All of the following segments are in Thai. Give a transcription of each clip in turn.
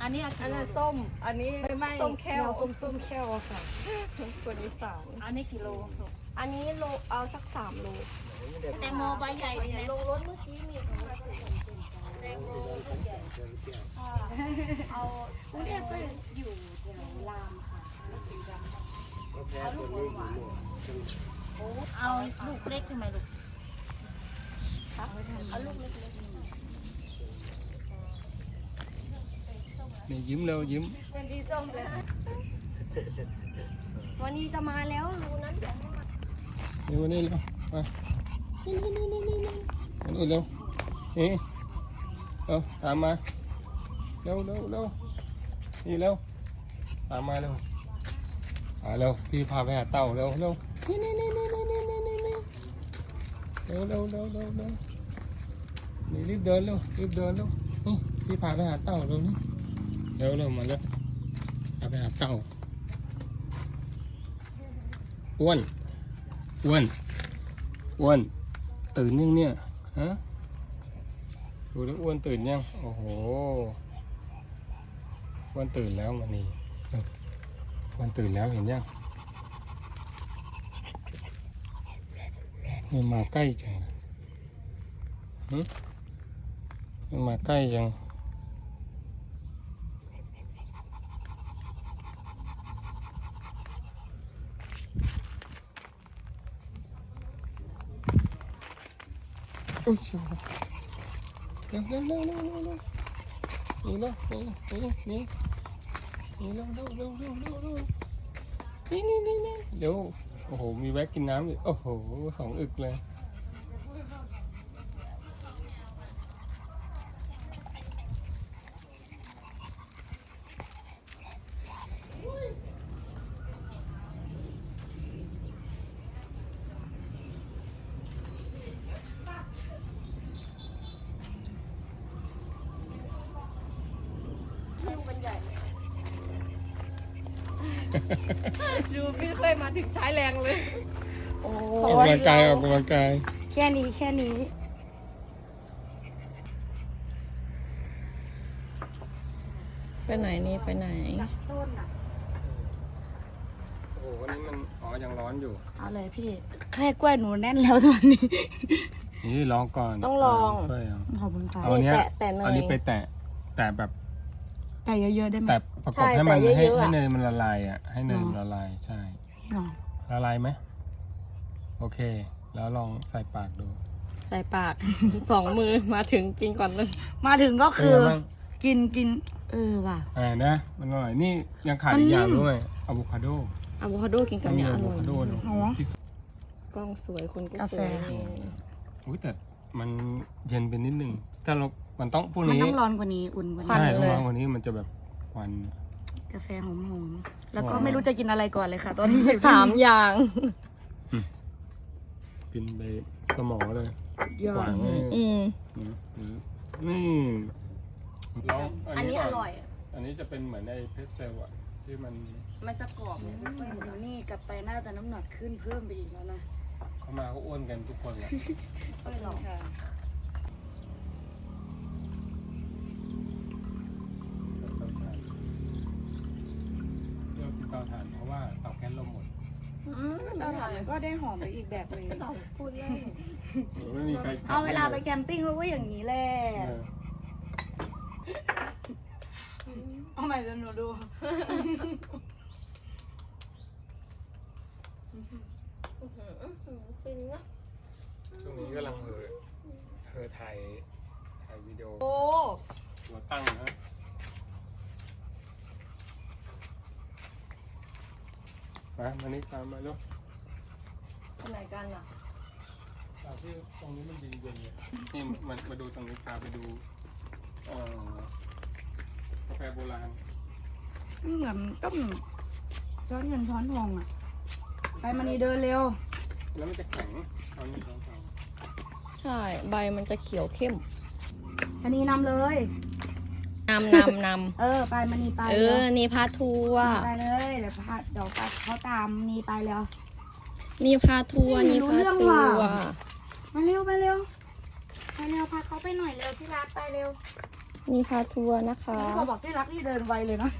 อันนี้ส้มอันนี้ไม่ส้มแค่วส้มแค่วค่ะคนอีสานอันนี้กิโลอันนี้โลเอาสัก3 โลแตงโมใบใหญ่นี่แหละลงรถเมื่อกี้มีแตงโมเอากรุงเทพก็อยู่แถวรามค่ะเอาลูกหวานเอาลูกเล็กใช่ไหมลูกเอาลูกเล็กนี่ยิ้มเร็วยิ้มๆเป็นดีส้มเลยวันนี้จะมาแล้วรูนั้นเดี๋ยวให้มานี่วันนี้เร็วมาวันนี้เร็วนี่เอาตามมาเร็วนี่เร็วตามมาเร็วเร็วพี่พาไปหาเต่าเร็วนี่เร็วนี่รีบเดินเร็วนี่พี่พาไปหาเต่าเร็วนี่เร็วมาเร็วพาไปหาเต่าอ้วนตื่นยังเนี่ยฮะดูแล้วอ้วนตื่นยังโอ้โหอ้วนตื่นแล้วมันนี่อ้วนตื่นแล้วเห็นยังมันมาใกล้จังมันมาใกล้จังอุ้ยเร็วนี่เร็วนี่เร็วนี่เร็วเดี๋ยวโอ้โหมีแวะกินน้ำอีกโอ้โห2 อึกเลยดูพี่เคยมาถึงใช้แรงเลยโอ้ออกกำลังกายแค่นี้ไปไหนนี่ไปไหนต้นอ่ะโอ้โหวันนี้มันยังร้อนอยู่เอาเลยพี่แค่กล้วยหนูแน่นแล้วตอนนี้นี่ลองก่อนต้องลองช่วยเอาขอบคุณค่ะเอาเนี้ยแตะเนยอันนี้ไปแตะแบบแต่เยอะๆได้ไหมแต่ประกบให้มันใช่แต่เยอะๆให้อะเนยมันละลายอ่ะให้เนยมันละลายใช่อ๋อละลายไหมโอเค แล้วลองใส่ปากดูใส่ปาก 2 มือมาถึงกินก่อนเลยมาถึงก็คือเป็นไงบ้างกินว่ะนะมันอร่อยนี่ยังขาดมันอีกนิ่มอย่างด้วยอะโวคาโดอะโวคาโดกินกับเนี่ยออะโวร่อยคาโดเนอะอ๋อที่กล้องสวยคนก็กาสแฟวยนี่อุ้ยแต่มันเย็นไปนิดนึงถ้าเรามันต้องพวกมันนี้ต้องร้อนกว่านี้อุ่นกว่าใช่นี้ต้องร้อนกว่านี้มันจะแบบควันกาแฟหอมๆแล้วก็ไม่รู้จะกินอะไรก่อนเลยค่ะ ตอนนี้ 3 อย่างกินไปสมองเลยยอหวาดนเลยอืมนี่ลองอันนี้ก่อร่อยอันนี้จะเป็นเหมือนในเพสเซลอะที่มันมันจะกรอบเนี่ยหนูนี่กลับไปน่าจะน้ำหนักขึ้นเพิ่มไปอีกแล้วนะเขามาเขาอ้วนกันทุกคนแหละค่อยลองค่ะเลือกเตาถ่านเพราะว่าเตาแก๊สเราหมดเตาถ่านมันก็ได้หอมไปอีกแบบหนึงพูดเล่นไม่มีใครเอาเวลาไปแคมปิ้งเขาก็อย่างนี้แหละเออเอาใหม่เดี๋ยวหนูดูฟินนะช่วงนี้กำลังถ่ายวิดีโอโอ้หัวตั้งนะมานี่ตามมาลูกไปไหนกันอ่ะที่ตรงนี้มันดีเย็นเลยนี่มาดูตรงนี้พาไปดูกาแฟโบราณเหมือนต้มช้อนเงินช้อนทองอ่ะ ไปมานี่เดินเร็วแล้วมันจะแข็งตอนนี้ตอนใช่ใบมันจะเขียวเข้มอันนี้นำเลยนำไปมานี่ไปนี่พาทัวร์ไปเลยเดี๋ยวไปเขาตามนี่ไปเร็วนี่พาทัวร์ไม่นี่รู้พาเรื่องทัวว่ะร์มาเร็วไปเร็วพาเขาไปหน่อยเร็วที่ร้านไปเร็ว ไปมีพาทัวร์นะคะพอบอกที่รักนี่เดินไวเลยเนาะ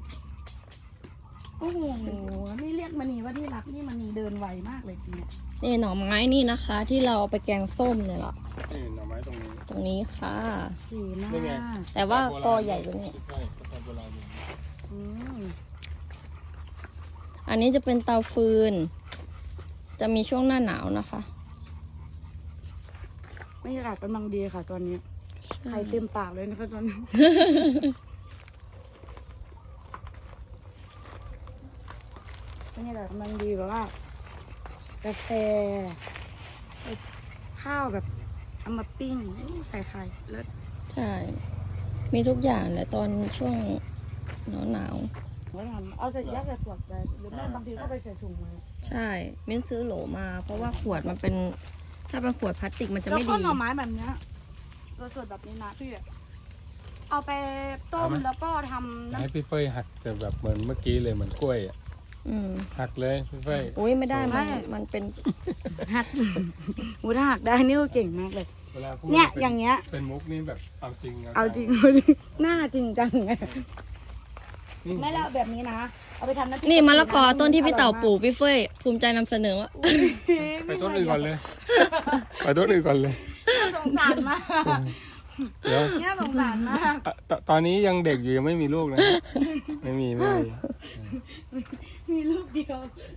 โอ้โหนี่เรียกมณีว่าที่รักนี่มณีเดินไวมากเลยทีเนี่ยนี่หน่อไม้นี่นะคะ ที่เราเอาไปแกงส้มเนี่ยแหละนี่หน่อไม้ตรงนี้ตรงนี้ค่ะดีมานี่ไงกแต่ว่ากอใหญ่กว่านี้ใช่กาแฟโบราณอยู่อืมอันนี้จะเป็นเตาฟืน จะมีช่วงหน้าหนาวนะคะบรรยากาศกำลังดีค่ะ ตอนนี้ไข่เต็มปากเลยนะคะตอนนี้ บรรยากาศกำลังดีแบบว่ากาแฟข้าวแบบเอามาปิ้งใส่ไข่เลิศใช่ มีทุกอย่างแหละตอนช่วงหนาวหัวทำเอาใส่ยัดใส่ขวดไปหรือไม่บางทีก็ไปใส่ถุงไว้ๆใช่ มิ้นซื้อโหลมา เพราะว่าขวดมันเป็น ถ้าเป็นขวดพลาสติกมันจะแล้วไม่ก็ดีหน่อไม้แบบเนี้ยสดๆแบบนี้นะพี่เอาไปต้มแล้วก็ทำน้ให้พี่เฟยหักแต่แบบเหมือนเมื่อกี้เลยเหมือนกล้วยอ่ะอืมหักเลยพี่เฟยอุ้ยไม่ได้มันเป็นำหักหูถ้าหักได้นี่ก็เก่งมากเลยเวลาพูดเนี่ยป็อย่างเงี้ยเป็นมุกนี่แบบเอาจริงเอาจริงเอาจริงหน้าจริงจังไงนี่ไม่แล้วแบบนี้นะ เอาไปทำน้ำพริกนี่มะละกอต้นที่พี่เต่าปลูกพี่เฟยภูมิใจนำเสนอว่าไปต้นอื่นก่อนเลย ไปต้นอื่นก่อนเลยสงสารมากเดี๋ยวเนี่ยสงสารมากตอนนี้ยังเด็กอยู่ยังไม่มีลูกนะ ไม่มีมีลูกเดียว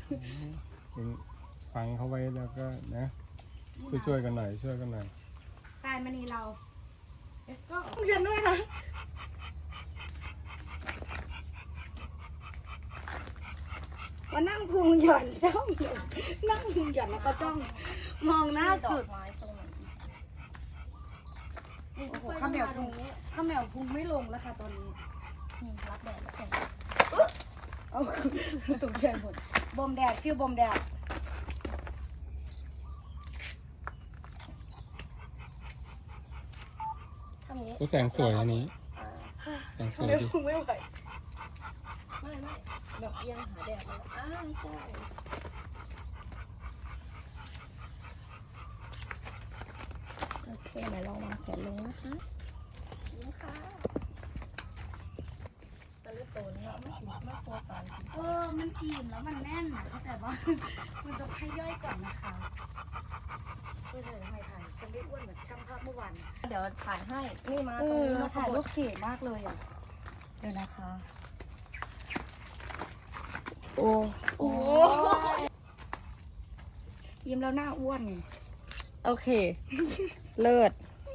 ฟังเขาไว้แล้วก็นะช่วยกันหน่อยช่วยกันหน่อยกายมณีเรา let's go ฉันด้วยนะมานั่งพุงหย่อนจ้องอยู่นั่งพุงหย่อนแล้วก็จ้อง มองหน้าสุดโอ้โหข้าวแมวพุงไม่ลงแล้วค่ะตอนนี้รับแดดแล้วส่งเอาตกใจหมดบมแดดฟิวบมแดดทำอย่างนี้ก็แสงสวยอันนี้แสงสวยไม่ดิพุงไม่ไหวไม่แบบเอียงหาแดดเลยใช่โอเคไหนลองวางแขนลงนะคะนี่ค่ะตะลึกโตนเนาะไม่ถึงไม่โตตอนมันอิ่มแล้วมันแน่นนะแต่ว่า มันจะให้ย่อยก่อนนะคะเพื่อจะให้ถ่ายฉันไม่อ้วนเหมือนช่างภาพเมื่อวานเดี๋ยวถ่ายให้นี่มาเอตรงอนี้มาถ่ายรูรูปเก๋มากเลยอ่ะเดี๋ยวนะคะ โอ้โอ้ยิ้มแล้วหน้าอ้วนไงโอเค เลิศ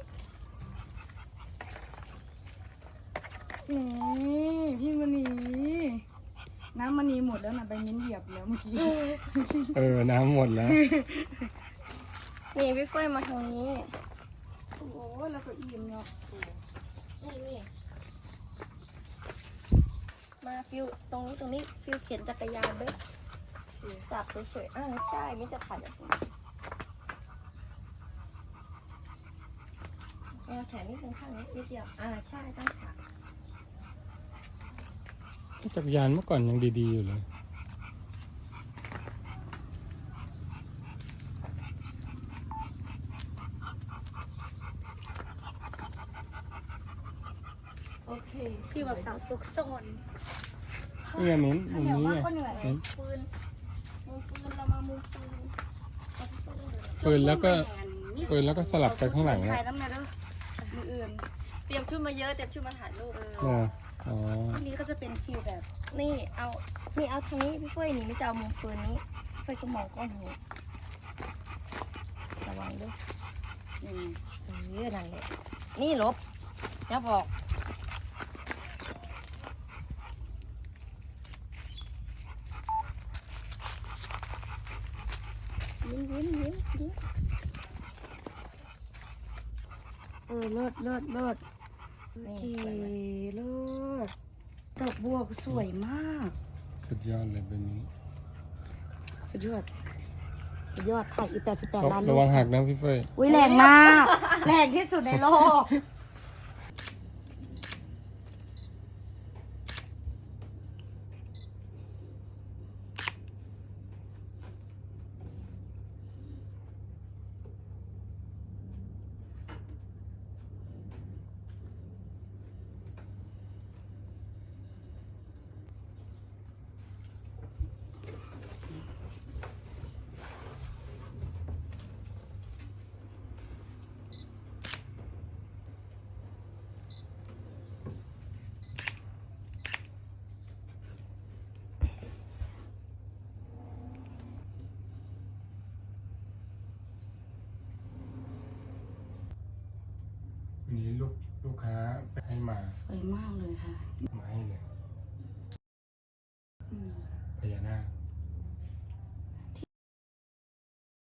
นี่พี่มณีน้ำมณีหมดแล้วนะไปมิ้นเหยียบแล้วเมื่อกี้น้ำหมดแล้วนี่พี่เฟยมาทางนี้โอ้แล้วก็อิ่มเนาะนี่มาฟิวตรงนี้ฟิวเข็นจักรยานด้วยจับสวยๆใช่มิจะถ่ายแบบนี้แขนนิดนึงข้างนี้นิดเดียวใช่ตั้งขาจักรยานเมื่อก่อนยังดีๆอยู่เลยโอเคพี่แบบสาวซุกซนนี่ไงมิ้นข้ามุวมเหนียวนี้มากไงก็เหนื่อยมิ้นฟืนเรามามุมฟืนปืนแล้วก็สลับไปข้างหลังถ่านะยน้ำเนยด้วยมืออื่นเตรียมชุดมาเยอะเตรียมชุดมาถ่ายรูปอ๋ออันนี้ก็จะเป็นฟิลแบบนี่เอาทางนี้พี่เฟยนี่ไม่จะเอามุมฟืนนี้เฟยก็มองกล้องทางนี้ระวังด้วยยังไงนั่นแหละนี่ลบอย่าบอกยิ้มเลิศโอนี่เคสวยไหมเลิศดอกบัวสวยมากสุดยอดเลยเป็นมิ้นสุดยอดถ่ายอีก88 ล้านระวังหักนะพี่เฟยอุ้ยแรงมาก แรงที่สุดในโลกมาสวยมากเลยค่ะมาให้เลย